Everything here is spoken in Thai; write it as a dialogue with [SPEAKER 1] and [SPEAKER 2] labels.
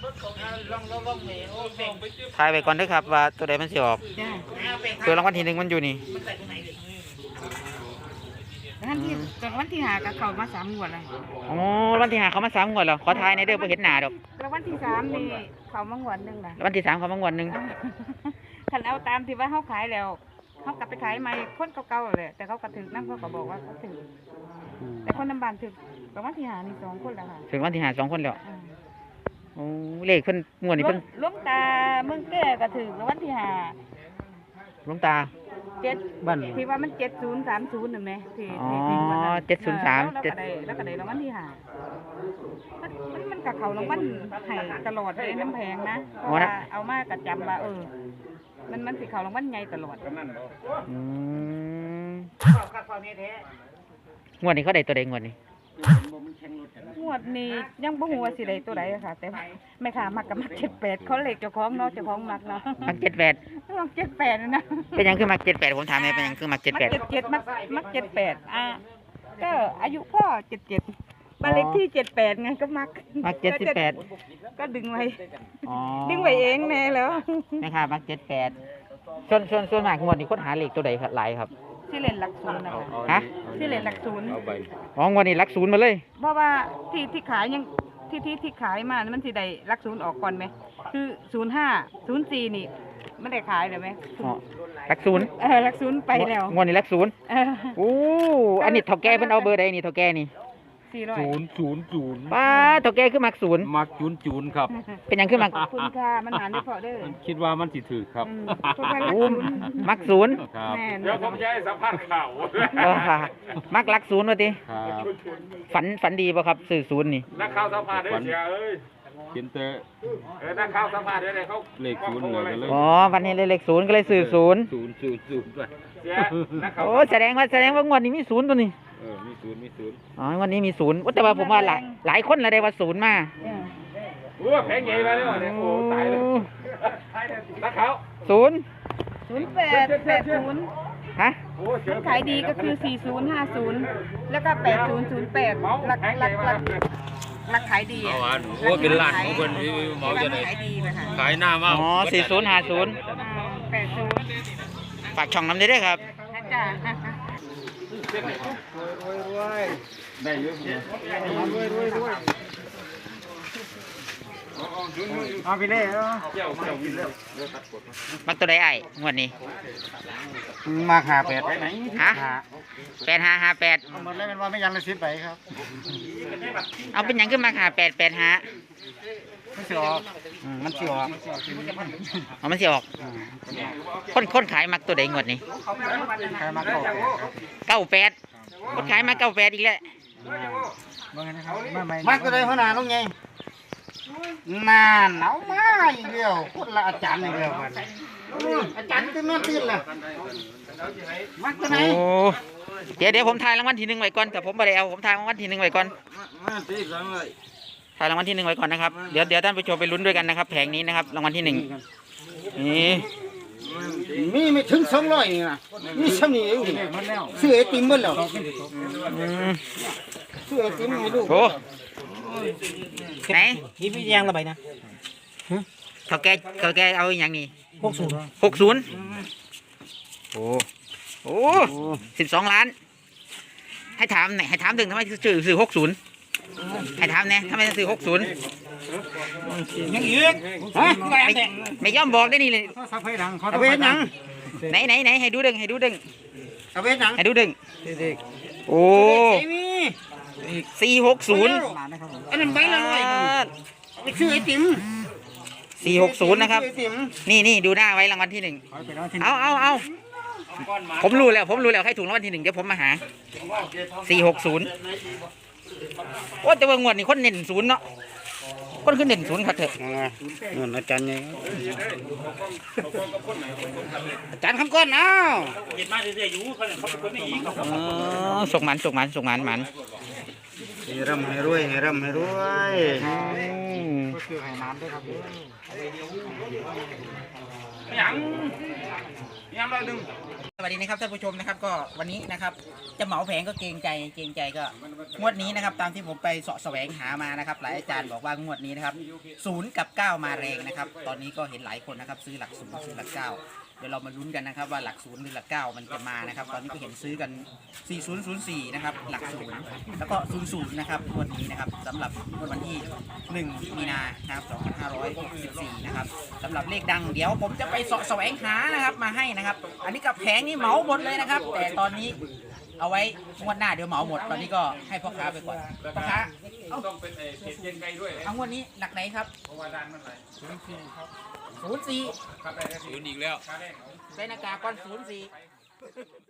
[SPEAKER 1] ทายไปก่อนเด้อครับว่าตัวใดมันสิออกตัวรางวัลที่หนึ่งมันอยู่นี่
[SPEAKER 2] วันที่หากับเขามา3 งวดเลย
[SPEAKER 1] อ๋อวันที่หาเขามา3 งวดแล้วขอทายในเด้อบ่เห็นหน้าดอก
[SPEAKER 2] แล้ววันที่3นี่เขามางวดนึงนะ
[SPEAKER 1] วันที่3เขามางวดนึง
[SPEAKER 2] คันเอาตามที่ว่าเขาขายแล้วเขากลับไปขายใหม่คนเก่าๆเลยแต่เขากระถึกนั่นเขาก็บอกว่าเขาถึกแต่คนน้ำบานถึกแต่วันที่หานี่2 คนแล้วค่ะ
[SPEAKER 1] ถึงวันที่หา2 คนแล้วโอ้เลขเพิ่นงวดนี้เพิ่น
[SPEAKER 2] หลวงตาเมืองแก่กระถึกแล้ววันที่หา
[SPEAKER 1] หลวงตา
[SPEAKER 2] บ้านที่ว่ามัน7030น่ะแม่ที่
[SPEAKER 1] 703
[SPEAKER 2] แล้วก็ได้รางวัลที่หามันกับเขารางวัลให้ตลอดเลยน้ำแพงนะเพราะว่าเอามากระจำว่ามันสิเขารางวัลใหญ่ตลอด
[SPEAKER 1] งวดนี้เขาได้ตัวใดงวดนี้
[SPEAKER 2] ยังบ่ฮู้ว่าสิได้ตัวใดค่ะแต่แม่ค้ามักกับมัก78เขาเลขเจ้าของเนาะเจ้าของมักเนาะ
[SPEAKER 1] มัก
[SPEAKER 2] 78นะ
[SPEAKER 1] เป็นหยังคือมัก78ผมถามแม่เป็นหยังคือมัก
[SPEAKER 2] 77มัก78ก็อายุพ่อ77บ้านเลขที่78ไงก็มัก
[SPEAKER 1] 78
[SPEAKER 2] ก็ดึงไว้เองแน่แล้ว
[SPEAKER 1] แม่ค้ามัก78ส่วนมากงวดนี้ค้นหาเลขตัวใดหลายครับ
[SPEAKER 2] ที่เล่นหลัก0นะคะ
[SPEAKER 1] ฮะ
[SPEAKER 2] ที่เล่นหลัก0
[SPEAKER 1] อ๋องวดนี้หลัก0มาเลย
[SPEAKER 2] เพราะว่าที่ขายยังที่ขายมามันสิได้หลัก0ออกก่อนไหมคือ05 04นี่ไม่ได้ขายเลยไหม
[SPEAKER 1] หลัก0
[SPEAKER 2] หลัก0ไปแล้ว
[SPEAKER 1] งวดนี้หลัก0โอ้อันนี้เฒ่าแก่เพิ่นเอาเบอร์ใดนี่เฒ่าแก่นี่
[SPEAKER 3] 000
[SPEAKER 1] ป้าเฒ่าแก่คือมัก0
[SPEAKER 3] มักจูนครับ
[SPEAKER 1] เป็นหยังคือมัก
[SPEAKER 2] คุณค่ามันหาได้พอเด้อ
[SPEAKER 3] คิดว่ามันสิถือครับ
[SPEAKER 1] มัก0
[SPEAKER 3] ครับ
[SPEAKER 4] เดี๋ยวผมจะให้สัมภาษณ์ข่าว
[SPEAKER 1] มักหลัก0ว่าติฝันดีบ่ครับซื้อ0นี่
[SPEAKER 4] นักข่าวสัมภาษณ์ได้เสียเอ้ย
[SPEAKER 3] กินเตะ
[SPEAKER 4] นักข่าวสัมภาษณ์ได้เขา
[SPEAKER 3] เลข0เลย
[SPEAKER 1] อ๋อวันนี้เลข0ก็เลยซื้อ0
[SPEAKER 3] ด้วย
[SPEAKER 1] โอ้แสดงว่างวดนี้มี0ตัวนี้
[SPEAKER 3] มี0
[SPEAKER 1] อ๋อวันนี้มี0แต่ว่าผมว่าหลายคนละได้ว่า0มา
[SPEAKER 4] โอ้แพงใหญ่มาแล้วเนี่ยโอ้ตายเลยนักข่าว
[SPEAKER 2] 0880
[SPEAKER 1] ฮะ
[SPEAKER 2] ขายดีก็คือ4050แล้วก็8008หลักขายดี
[SPEAKER 3] โอ้เป็นล้านของคนที่เมาจะไหนขายหน้ามาก
[SPEAKER 1] อ๋อ4050
[SPEAKER 2] 80
[SPEAKER 1] ฝากช่องน้ำได้ด้วยครับ
[SPEAKER 2] จ้า
[SPEAKER 4] ได้เยอะ
[SPEAKER 3] เอาไปเลย
[SPEAKER 1] มักตัวใดไอ้งวดนี้
[SPEAKER 3] มาหา8ไปไหน
[SPEAKER 1] ฮะ8558
[SPEAKER 3] หมดแล้วเป็นว่าไม่ยังเลย10ใบครับ
[SPEAKER 1] เอาเป็นหยังขึ้นมาหา885
[SPEAKER 3] มันสิออกมันสิออก
[SPEAKER 1] มันสิออกคนขายมักตัวใดงวดนี้
[SPEAKER 3] ขายมา
[SPEAKER 1] 98คนขายมา98อีกแล้ว
[SPEAKER 3] มักตัวใดหัวหน้าลุงไงนานเอามาอีกเดียวคนละอาจารย์อีกเดียวกันอาจารย์จะนอนตื่นล่ะมักตัวไหน
[SPEAKER 1] โอ้เดี๋ยวผมทายรางวัลที่1ไว้ก่อนแต่ผมบ่ได้เอาผมทายรางวัลที่1ไว้ก่อนทายรางวัลที่1ไว้ก่อนนะครับเดี๋ยวท่านผู้ชมไปลุ้นด้วยกันนะครับแผงนี้นะครับรางวัลที่1นี่
[SPEAKER 3] มีไม่ถึง200นี่นะมีซ้ำนี่เองซื้อไอติมหมดแล้วซื้อไอติมให้ลูก
[SPEAKER 1] โอ้ไหน
[SPEAKER 3] นี่พี่ยังระบายนะ
[SPEAKER 1] เขาแกเอาอย่างนี้60โอ้12 ล้านให้ถามหน่อยให้ถามถึงทำไมซื้อ60ให้ถามเนี่ยทำไมซื้อ60
[SPEAKER 3] ยังอีก
[SPEAKER 1] ไม่ยอมบอกได้นี่เลย
[SPEAKER 3] เอาไปหนัง
[SPEAKER 1] ไหนให้ดูดึง
[SPEAKER 3] เอาไปหนัง
[SPEAKER 1] ให้ดูดึงโอ้460
[SPEAKER 3] อันนั้นใบละ100ไปซื้อไอติม
[SPEAKER 1] 460นะครับนี่ดูหน้าไว้รางวัลที่1เอาผมรู้แล้วใครถูกรางวัลที่1เดี๋ยวผมมาหา460โอ้แต่ว่างวดนี้คนเน้น0เนาะคนขึ้นเน้น0ครับเถอะ
[SPEAKER 3] นู่นอาจารย์ไงอาจารย์คำก้อนเอา
[SPEAKER 4] เห็นมาเรื่อยๆอยู่เขาเป็นคนไม่อีก
[SPEAKER 1] ส่งมัน
[SPEAKER 3] ให้ร่ำให้รวยให้ร่ำให้รวย
[SPEAKER 1] ก็คือให้น้ำด้วยครับ
[SPEAKER 4] ยังร้อยหนึ่ง
[SPEAKER 1] สวัสดีนะครับท่านผู้ชมนะครับก็วันนี้นะครับจะเหมาแผงก็เกรงใจก็งวดนี้นะครับตามที่ผมไปเสาะแสวงหามานะครับหลายอาจารย์บอกว่างวดนี้นะครับ0 กับ 9 มาแรงนะครับตอนนี้ก็เห็นหลายคนนะครับซื้อหลัก 0 ซื้อหลัก 9เดี๋ยวเรามาลุ้นกันนะครับว่าหลัก 0 หรือหลัก 9 มันจะมานะครับตอนนี้ก็เห็นซื้อกัน 4004นะครับหลัก 0 แล้วก็ 00 นะครับงวดนี้นะครับสำหรับวันที่ 1 มีนาครับ2564นะครับสำหรับเลขดังเดี๋ยวผมจะไปเสาะแสวงหานะครับมาให้นะครับอันนี้กับแผงนี่เหมาหมดเลยนะครับแต่ตอนนี้เอาไว้งวดหน้าเดี๋ยวเหมาหมดตอนนี้ก็ให้พ่อค้าไปก่อนพ่อค้าเอา
[SPEAKER 4] ต้องเป็นเผ็ดเย็นไก่ด้วย
[SPEAKER 1] เอางวดนี้หลักไหนครับ
[SPEAKER 4] เพราะว่าด้านมันไหล
[SPEAKER 1] 04
[SPEAKER 4] ครับได้ศูนย์อีกแล้ว
[SPEAKER 1] ใส่หน้ากากก่อน04